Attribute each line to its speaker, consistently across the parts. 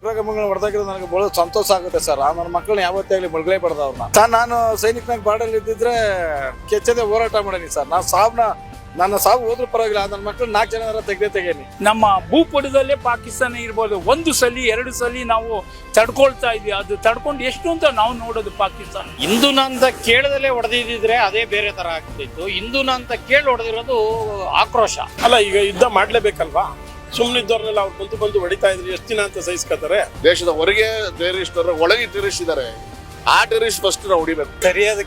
Speaker 1: ಉಗ್ರಗಾಮಿಗಳನ್ನ ಹೊಡೆದಾಗಿರೋದು ನನಗೆ ಬಹಳ ಸಂತೋಷ ಆಗುತ್ತೆ ಸರ್. ನನ್ನ ಮಕ್ಕಳನ್ನ ಯಾವತ್ತೇ ಆಗಲಿ ಬಳ್ಗಳೇಬಾರ್ದು ಅವ್ರನ್ನ. ಸರ್ ನಾನು ಸೈನಿಕನಾಗ ಬಾರ್ಡಲ್ಲಿ ಇದ್ದಿದ್ರೆ ಕೆಚ್ಚದೆ ಹೋರಾಟ ಮಾಡೀನಿ ಸರ್. ನನ್ನ ಸಾವು ಹೋದ್ರೂ ಪರವಾಗಿಲ್ಲ, ನನ್ನ ಮಕ್ಕಳು 4 ಜನ ತೆಗೇನಿ.
Speaker 2: ನಮ್ಮ ಭೂಪಟದಲ್ಲೇ ಪಾಕಿಸ್ತಾನ ಇರ್ಬೋದು, 1 ಸಲ 2 ಸಲ ನಾವು ತಡ್ಕೊಳ್ತಾ ಇದ್ವಿ. ಅದು ತಡ್ಕೊಂಡು ಎಷ್ಟು ಅಂತ ನಾವು ನೋಡೋದು ಪಾಕಿಸ್ತಾನ.
Speaker 3: ಹಿಂದೂನ ಅಂತ ಕೇಳದಲ್ಲೇ ಹೊಡೆದಿದ್ರೆ ಅದೇ ಬೇರೆ ತರ ಆಗ್ತಿತ್ತು. ಹಿಂದೂನ ಅಂತ ಕೇಳಿ ಹೊಡೆದಿರೋದು ಆಕ್ರೋಶ.
Speaker 4: ಅಲ್ಲ, ಈಗ ಯುದ್ಧ ಮಾಡ್ಲೇಬೇಕಲ್ವಾ? ಸುಮ್ಮನಿದ್ದವ್ರನ್ನೆಲ್ಲ ಅವ್ರು ಬಂದು ಹೊಡಿತಾ ಇದ್ರು, ಎಷ್ಟು ದಿನ ಅಂತ ಸಹಿಸ್ಕೊತಾರೆ?
Speaker 5: ದೇಶದ ಹೊರಗೆ ಟೆರರಿಸ್ಟ್ ಒಳಗೆ ಟೆರರಿಸ್ಟ್ ಇದ್ದಾರೆ. ಆ ಟೆರರಿಸ್ಟ್ ಫಸ್ಟ್ ನಾವು ಹೊಡಿಬೇಕು.
Speaker 6: ಸರಿಯಾದ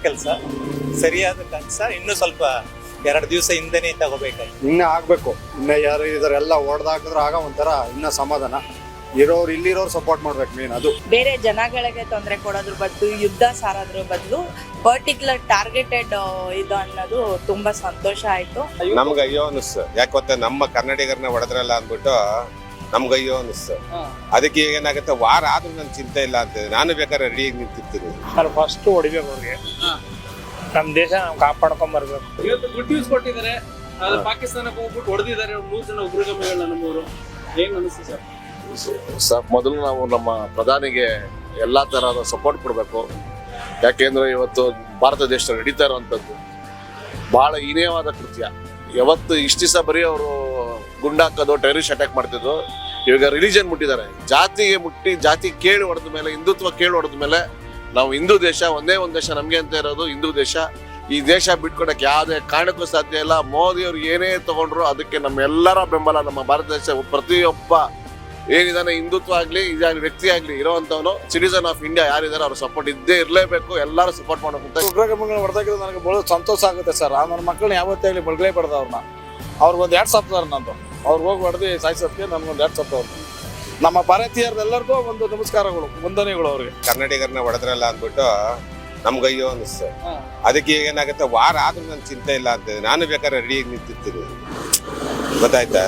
Speaker 6: ಕೆಲಸ ಇನ್ನು ಸ್ವಲ್ಪ 2 ದಿವಸ ಹಿಂದೆನೇ ತಗೋಬೇಕಾಗಿ
Speaker 7: ಇನ್ನೇ ಆಗ್ಬೇಕು. ಇನ್ನೇ ಯಾರು ಇದಾರೆ ಎಲ್ಲ ಹೊಡೆದಾಕಿದ್ರೆ ಆಗ ಒಂಥರ ಇನ್ನ ಸಮಾಧಾನ. ಇಲ್ಲಿರೋರು ಸಪೋರ್ಟ್ ಮಾಡ್ಬೇಕು ಮೇನ್. ಅದು
Speaker 8: ಬೇರೆ ಜನಗಳಿಗೆ ತೊಂದರೆ ಕೊಡೋದ್ರ ಬದಲು ಯುದ್ಧ ಸಾರೋದ್ರ ಬದಲು ಪರ್ಟಿಕ್ಯುಲರ್ ಟಾರ್ಗೆಟೆಡ್ ಇದು ಅನ್ನೋದು ತುಂಬಾ ಸಂತೋಷ ಆಯ್ತು.
Speaker 9: ನಮ್ಗೆ ಅಯ್ಯೋ ಅನಿಸ್ತು. ಯಾಕೆ ಗೊತ್ತಾ, ನಮ್ಮ ಕನ್ನಡಿಗರನ್ನ ಹೊಡೆದ್ರಲ್ಲ ಅಂದ್ಬಿಟ್ಟು ನಮ್ಗೆ ಅಯ್ಯೋ ಅನಿಸ್ತು. ಅದಕ್ಕೆ ಏನಾಗುತ್ತೆ, ವಾರ ಆದ್ರೂ ನನ್ ಚಿಂತೆ ಇಲ್ಲ ಅಂತ ನಾನು ಬೇಕಾದ್ರೆ ರೆಡಿ ನಿಂತಿರ್ತೀನಿ.
Speaker 2: ಫಸ್ಟ್ ಹೊಡಿಬೇಕು ಅವ್ರಿಗೆ. ನಮ್ ದೇಶ ನಾವು ಕಾಪಾಡ್ಕೊಂಡ್ ಬರ್ಬೇಕು.
Speaker 10: ಇವತ್ತು ಗುಡ್ ನ್ಯೂಸ್ ಕೊಟ್ಟಿದ್ದಾರೆ. ಪಾಕಿಸ್ತಾನಕ್ಕೆ ಹೋಗ್ಬಿಟ್ಟು ಹೊಡೆದಿದ್ದಾರೆ 100 ಜನ ಉಗ್ರಗಾಮಿಗಳನ್ನ ನಮ್ಮವರು. ಏನ್ ಅನಿಸ್ತು ಸರ್?
Speaker 5: ಮೊದಲು ನಾವು ನಮ್ಮ ಪ್ರಧಾನಿಗೆ ಎಲ್ಲಾ ತರಹದ ಸಪೋರ್ಟ್ ಕೊಡಬೇಕು. ಯಾಕೆಂದ್ರೆ ಇವತ್ತು ಭಾರತ ದೇಶ ನಡೀತಾ ಇರುವಂತದ್ದು ಬಹಳ ಹೀನೇಯವಾದ ಕೃತ್ಯ. ಯಾವತ್ತು ಇಷ್ಟ ದಿವಸ ಬರೀ ಅವರು ಗುಂಡಾಕೋದು, ಟೆರರಿಸ್ಟ್ ಅಟ್ಯಾಕ್ ಮಾಡ್ತಿದ್ರು. ಇವಾಗ ರಿಲಿಜನ್ ಮುಟ್ಟಿದ್ದಾರೆ. ಜಾತಿಗೆ ಮುಟ್ಟಿ, ಜಾತಿ ಕೇಳಿ ಹೊಡೆದ ಮೇಲೆ, ಹಿಂದುತ್ವ ಕೇಳಿ ಹೊಡೆದ ಮೇಲೆ ನಾವು ಹಿಂದೂ ದೇಶ, ಒಂದೇ ಒಂದು ದೇಶ ನಮ್ಗೆ ಅಂತ ಇರೋದು ಹಿಂದೂ ದೇಶ. ಈ ದೇಶ ಬಿಟ್ಕೊಡಕ್ಕೆ ಯಾವುದೇ ಕಾರಣಕ್ಕೂ ಸಾಧ್ಯ ಇಲ್ಲ. ಮೋದಿ ಅವ್ರು ಏನೇ ತಗೊಂಡ್ರು ಅದಕ್ಕೆ ನಮ್ಮೆಲ್ಲರ ಬೆಂಬಲ. ನಮ್ಮ ಭಾರತ ದೇಶ ಪ್ರತಿಯೊಬ್ಬ ಏನಿದಾನೆ, ಹಿಂದುತ್ವ ಆಗ್ಲಿ, ಇದಾಗಲಿ, ವ್ಯಕ್ತಿ ಆಗ್ಲಿ ಇರೋವಂಥವನು ಸಿಟಿಸನ್ ಆಫ್ ಇಂಡಿಯಾ ಯಾರಿದ್ದಾರೆ ಅವ್ರ ಸಪೋರ್ಟ್ ಇದ್ದೇ ಇರಲೇಬೇಕು. ಎಲ್ಲರೂ ಸಪೋರ್ಟ್ ಮಾಡಬೇಕು.
Speaker 1: ಉಗ್ರಗಾಮಿಗಳನ್ನ ಹೊಡೆದಾಗಿರೋದು ನನಗೆ ಬಹಳ ಸಂತೋಷ ಆಗುತ್ತೆ ಸರ್. ನನ್ನ ಮಕ್ಕಳನ್ನ ಯಾವತ್ತೇ ಆಗಲಿ ಬಳ್ಗಳೇಬಾರ್ದು ಅವ್ರನ್ನ. ಅವ್ರಿಗೊಂದು 2 ಸಪ್ತಾರ ನಂದು. ಅವ್ರು ಹೋಗಿ ಹೊಡೆದು ಸಾಯಿಸೋದಕ್ಕೆ ನನ್ಗೊಂದು 2 ಸಪ್ತಾರ. ನಮ್ಮ ಭಾರತೀಯರೆಲ್ಲರಿಗೂ ಒಂದು ನಮಸ್ಕಾರಗಳು, ವಂದನೆಗಳು ಅವ್ರಿಗೆ.
Speaker 9: ಕನ್ನಡಿಗರನ್ನ ಹೊಡೆದ್ರಲ್ಲ ಅಂದ್ಬಿಟ್ಟು ನಮ್ಗೆ ಅಯ್ಯೋ ಅನಿಸ್ತು. ಅದಕ್ಕೆ ಏನಾಗುತ್ತೆ, ವಾರ ಆದ್ರೂ ನನ್ ಚಿಂತೆ ಇಲ್ಲ ಅಂತ ನಾನು ಬೇಕಾದ್ರೆ ರೆಡಿ ನಿಂತಿರ್ತೀನಿ. ಗೊತ್ತಾಯ್ತಾ?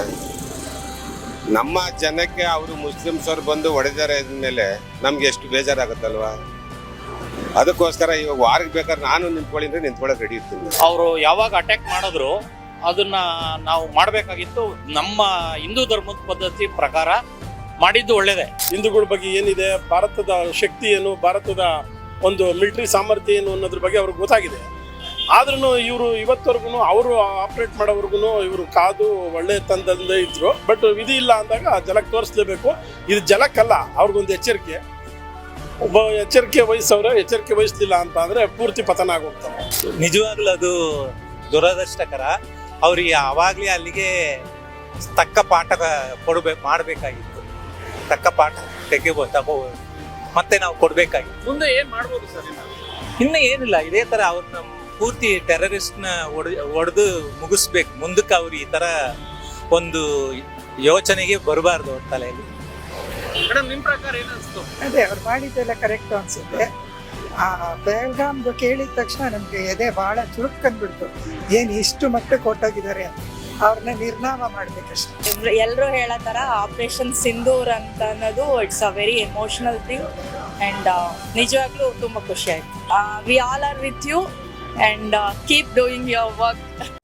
Speaker 9: ನಮ್ಮ ಜನಕ್ಕೆ ಅವರು ಮುಸ್ಲಿಮ್ಸ್ ಅವ್ರು ಬಂದು ಹೊಡೆದಾರೆ ಅಂದ್ಮೇಲೆ ನಮ್ಗೆ ಎಷ್ಟು ಬೇಜಾರಾಗುತ್ತಲ್ವಾ? ಅದಕ್ಕೋಸ್ಕರ ಇವಾಗ ವಾರಕ್ಕೆ ಬೇಕಾದ್ರೆ ನಾನು ನಿಂತ್ಕೊಳ್ಳೋಕೆ ರೆಡಿ ಇರ್ತೀನಿ.
Speaker 3: ಅವರು ಯಾವಾಗ ಅಟ್ಯಾಕ್ ಮಾಡಿದ್ರು ಅದನ್ನ ನಾವು ಮಾಡ್ಬೇಕಾಗಿತ್ತು. ನಮ್ಮ ಹಿಂದೂ ಧರ್ಮದ ಪದ್ಧತಿ ಪ್ರಕಾರ ಮಾಡಿದ್ದು ಒಳ್ಳೇದೇ.
Speaker 4: ಹಿಂದೂಗಳ ಬಗ್ಗೆ ಏನಿದೆ, ಭಾರತದ ಶಕ್ತಿ ಏನು, ಭಾರತದ ಒಂದು ಮಿಲಿಟರಿ ಸಾಮರ್ಥ್ಯ ಏನು ಅನ್ನೋದ್ರ ಬಗ್ಗೆ ಅವ್ರಿಗೆ ಗೊತ್ತಾಗಿದೆ. ಆದ್ರೂ ಇವರು ಇವತ್ತವರೆಗೂ ಅವರು ಆಪರೇಟ್ ಮಾಡೋವರೆಗೂ ಇವರು ಕಾದು ಒಳ್ಳೆ ತಂದಂದೇ ಇದ್ರು. ಬಟ್ ವಿಧಿ ಇಲ್ಲ ಅಂದಾಗ ಜಲಕ್ಕೆ ತೋರಿಸ್ಲೇಬೇಕು. ಇದು ಜಲಕ್ಕಲ್ಲ, ಅವ್ರಿಗೊಂದು ಎಚ್ಚರಿಕೆ. ಒಬ್ಬ ಎಚ್ಚರಿಕೆ ವಹಿಸ್ಲಿಲ್ಲ ಅಂತ ಅಂದ್ರೆ ಪೂರ್ತಿ ಪತನ ಆಗೋಗ್ತಾರೆ.
Speaker 6: ನಿಜವಾಗ್ಲೂ ಅದು ದುರದೃಷ್ಟಕರ. ಅವ್ರಿಗೆ ಅವಾಗ್ಲೇ ಅಲ್ಲಿಗೆ ತಕ್ಕ ಪಾಠ ಮಾಡಬೇಕಾಗಿತ್ತು. ತಕ್ಕ ಪಾಠ ಮತ್ತೆ ನಾವು ಕೊಡ್ಬೇಕಾಗಿತ್ತು.
Speaker 10: ಮುಂದೆ ಏನ್ ಮಾಡ್ಬೋದು ಸರ್?
Speaker 6: ಇನ್ನು ಏನಿಲ್ಲ, ಇದೇ ತರ ಅವ್ರನ್ನ ಪೂರ್ತಿ ಟೆರರಿಸ್ಟ್ ನ ಹೊಡೆದು ಮುಗಿಸ್ಬೇಕು. ಮುಂದಕ್ಕೆ ಅವ್ರು ಈ ತರ ಒಂದು ಯೋಚನೆಗೆ ಬರಬಾರ್ದು ಅವ್ರ ತಲೆಯಲ್ಲಿ.
Speaker 10: ಮೇಡಮ್, ನಿಮ್ ಪ್ರಕಾರ ಏನ್ ಅನ್ಸ್ತು?
Speaker 11: ಅದೇ ಅವ್ರು ಮಾಡಿದ್ದೆಲ್ಲ ಕರೆಕ್ಟ್ ಅನ್ಸುತ್ತೆ. ಬೆಳಗಾಮ್ದು ಕೇಳಿದ ತಕ್ಷಣ ನಮ್ಗೆ ಎದೆ ಬಹಳ ಚುರುಕಂದ್ಬಿಡ್ತು. ಏನ್ ಇಷ್ಟು ಮಟ್ಟಕ್ಕೆ ಕೊಟ್ಟೋಗಿದ್ದಾರೆ, ಅವ್ರನ್ನ ನಿರ್ನಾಮ ಮಾಡ್ಬೇಕಷ್ಟೇ.
Speaker 8: ಎಲ್ಲರೂ ಹೇಳೋ ತರ ಆಪರೇಷನ್ ಸಿಂಧೂರ್ ಅಂತ ಅನ್ನೋದು it's a very emotional thing and ನಿಜವಾಗ್ಲೂ ತುಂಬಾ ಖುಷಿ ಆಯ್ತು. We all are with you and keep doing your work.